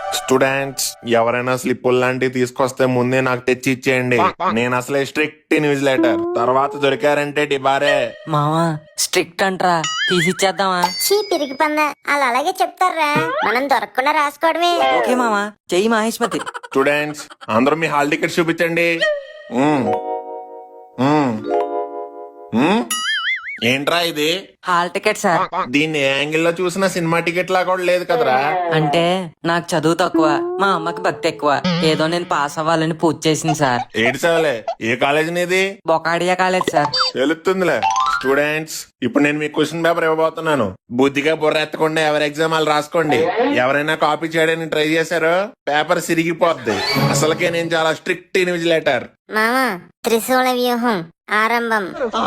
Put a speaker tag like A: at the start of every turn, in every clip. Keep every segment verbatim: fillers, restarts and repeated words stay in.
A: Students ఎవరైనా స్లిప్పులు లాంటివి తీసుకొస్తే ముందే నాకు తెచ్చి ఇచ్చేయండి. నేను అసలే స్ట్రిక్ట్ ఇన్విజిలేటర్. తర్వాత దొరికారంటే డిబారే.
B: మావా స్ట్రిక్ట్ అంట్రా, తీసిచ్చేద్దామా?
C: చీ పిరిగి పంద వాళ్ళు అలాగే చెప్తారా, మనం దొరకకుండా రాసుకోవడమే.
B: ఓకే మావా, చెయ్యి మహేష్మతి.
A: స్టూడెంట్స్ అందరూ మీ హాల్ టికెట్స్ చూపించండి. మ్మ్. మ్మ్. మ్మ్. ఏంట్రా ఇది?
B: Hall ticket sir.
A: దీన్ని ఏ యాంగిల్ లో చూసినా సినిమా టికెట్ లా కూడా లేదు కదరా.
B: అంటే నాకు చదువు తక్కువ, మా అమ్మకి భక్తి ఎక్కువ. ఏదో నేను పాస్ అవ్వాలని పూజ చేసింది సార్.
A: ఏడు చదవలే. ఏ కాలేజ్ నీది?
B: Bokadia college sir.
A: తెలుస్తుందిలే. స్టూడెంట్స్ ఇప్పుడు నేను మీకు క్వశ్చన్ పేపర్ ఇవ్వబోతున్నాను. బుద్ధిగా బుర్ర ఎత్తకుండా ఎవరి ఎగ్జామ్ వాళ్ళు రాసుకోండి. ఎవరైనా కాపీ చేయడానికి ట్రై చేశారో పేపర్ సిరిగిపోద్ది. అసలుకే నేను చాలా స్ట్రిక్ట్ ఇన్విజిలేటర్.
C: మామా త్రిశూల వ్యూహం ఆరంభం.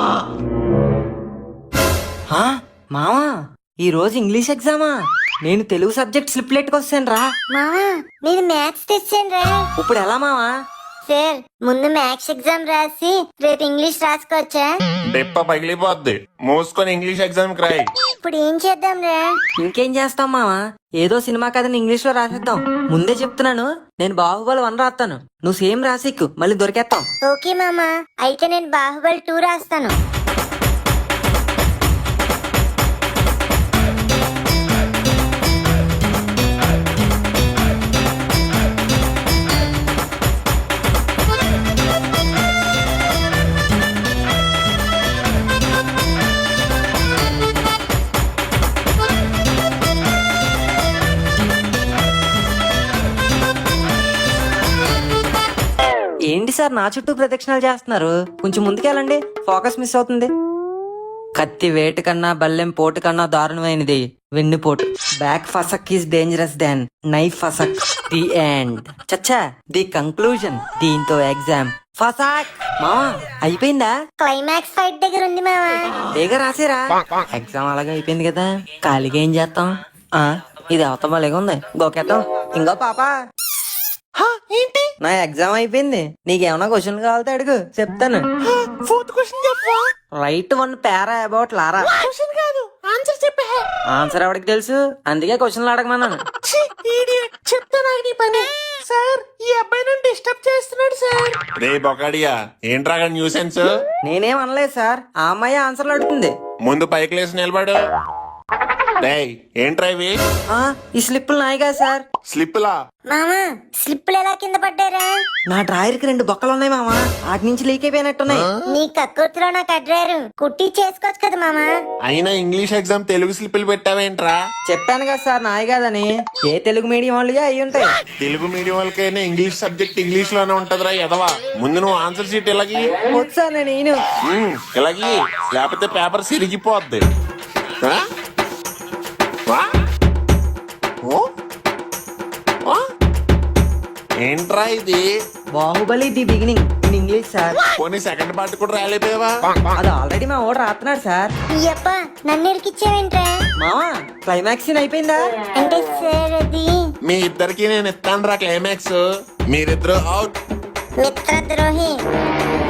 B: ఆ, మావా ఈ రోజు ఇంగ్లీష్ ఎగ్జామా? నేను తెలుగు సబ్జెక్ట్ స్లిప్ లెట్కి వస్తాను రా.
C: మామా నేను మ్యాథ్స్ తెచ్చాను రా.
B: ఇప్పుడు ఎలా మావా?
C: సార్ ముందు మ్యాథ్స్ ఎగ్జామ్ రాసి రేపు ఇంగ్లీష్ రాసుకోవచ్చా?
A: డెప్ప పగిలిపోద్ది. మూసుకొని ఇంగ్లీష్ ఎగ్జామ్ కి రాయి.
C: ఇప్పుడు ఏం చేద్దాం రా?
B: ఇంకేం చేస్తాం మావా, ఏదో సినిమా కథని ఇంగ్లీష్ లో రాసేద్దాం. ముందే చెప్తున్నాను, నేను బాహుబలి వన్ రాస్తాను, నువ్వు సేమ్ రాసిక్కు, మళ్ళీ దొరికేస్తాం.
C: ఓకే మామా, అయితే నేను బాహుబలి టూ రాస్తాను.
B: ఏంటి సార్ నా చుట్టూ ప్రదక్షిణాలు చేస్తున్నారు? కొంచెం ముందుకెళ్ళండి, ఫోకస్ మిస్ అవుతుంది. కత్తి వేటు కన్నా బల్లెం పోటు కన్నా దారుణమైనది వెన్నుపోటు. బ్యాక్ ఫసక్ ఈస్ డేంజరస్ దాన్ నైఫ్ ఫసక్. The end. చచ్చా, ది కంక్లూజన్. దీంతో ఎగ్జామ్ ఫసాక్. మావా అయిపోయిందా?
C: క్లైమాక్స్ ఫైట్ దగ్గర ఉంది మామా.
B: బేగా రాసేరా. ఎగ్జామ్ అలాగే అయిపోయింది కదా, ఖాళీగా ఏం చేస్తాం? ఆ ఇది అవతల మళ్ళీ ఉంది, గోకేద్దాం. ఇంకో పాప ఏంటి? నా ఎగ్జామ్ అయిపోయింది, నీకేమన్నా క్వశ్చన్ కావాలితే అడుగు, చెప్తాను. ఫోర్త్ క్వశ్చన్ చెప్పు. Write one para about Lara. Question కాదు, ఆన్సర్ చెప్పే. ఆన్సర్ ఎవరికి తెలుసు, అందుకే క్వశ్చన్లు అడగమన్నాను. చెప్తాను నీ పని. సార్ ఈ అబ్బాయి నన్ను డిస్టర్బ్ చేస్తున్నాడు సార్.
A: రే బొకాడియా, ఏంట్రా న్యూసెన్స్?
B: నేనేం అనలేదు సార్, ఆ అమ్మాయి ఆన్సర్లు అడుగుతుంది.
A: ముందు పైకి లేసి నిలబడు. డేయ్ ఏంట్రా ఇవి?
B: ఆ ఈ స్లిప్పులు నాయిగా సార్.
A: స్లిప్పులా?
C: మామా స్లిప్పులు ఎలా కింద పడ్డారా?
B: నా డ్రాయర్ కి రెండు బొక్కలు ఉన్నాయి మామా, వాటి నుంచి లీక్ అయిపోయినట్టున్నాయి.
C: నీ కక్కుర్తిలో నాకు అడ్రారు కుట్టి చేసుకోవచ్చు కదా మామా.
A: అయినా ఇంగ్లీష్ ఎగ్జామ్ తెలుగు స్లిప్పులు పెట్టావేంట్రా?
B: చెప్పాను కదా సార్ నాయి కాదని. ఏ తెలుగు మీడియం వాళ్ళుగా అయి ఉంటాయి.
A: తెలుగు మీడియం వాళ్ళకైనా ఇంగ్లీష్ సబ్జెక్ట్ ఇంగ్లీష్ లోనే ఉంటదిరా ఎదవా. ముందు నువ్వు ఆన్సర్ షీట్ ఇలాగి.
B: వచ్చా నేను
A: ఉమ్, ఇలాగి, లేకపోతే పేపర్ సిరిగిపోద్ది. ఆ? వా? ఓ? ఆ? ఏంట్రా ఇది?
B: Baahubali the beginning in English sir.
A: పోనీ సెకండ్ పార్ట్ కూడా రాయలేకపోయావా?
B: అది ఆల్రెడీ మా ఓడు రాస్తున్నాడు సార్.
C: అయ్యప్ప నన్ను ఇరికిచ్చావేంట్రా?
B: మామా క్లైమాక్స్ సీన్ అయిపోయిందా?
C: అంటే సార్ అది
A: మీ ఇద్దరికి నేను ఇస్తాను రా క్లైమాక్స్. మీరిద్దరు అవుట్.
C: మిత్రద్రోహి.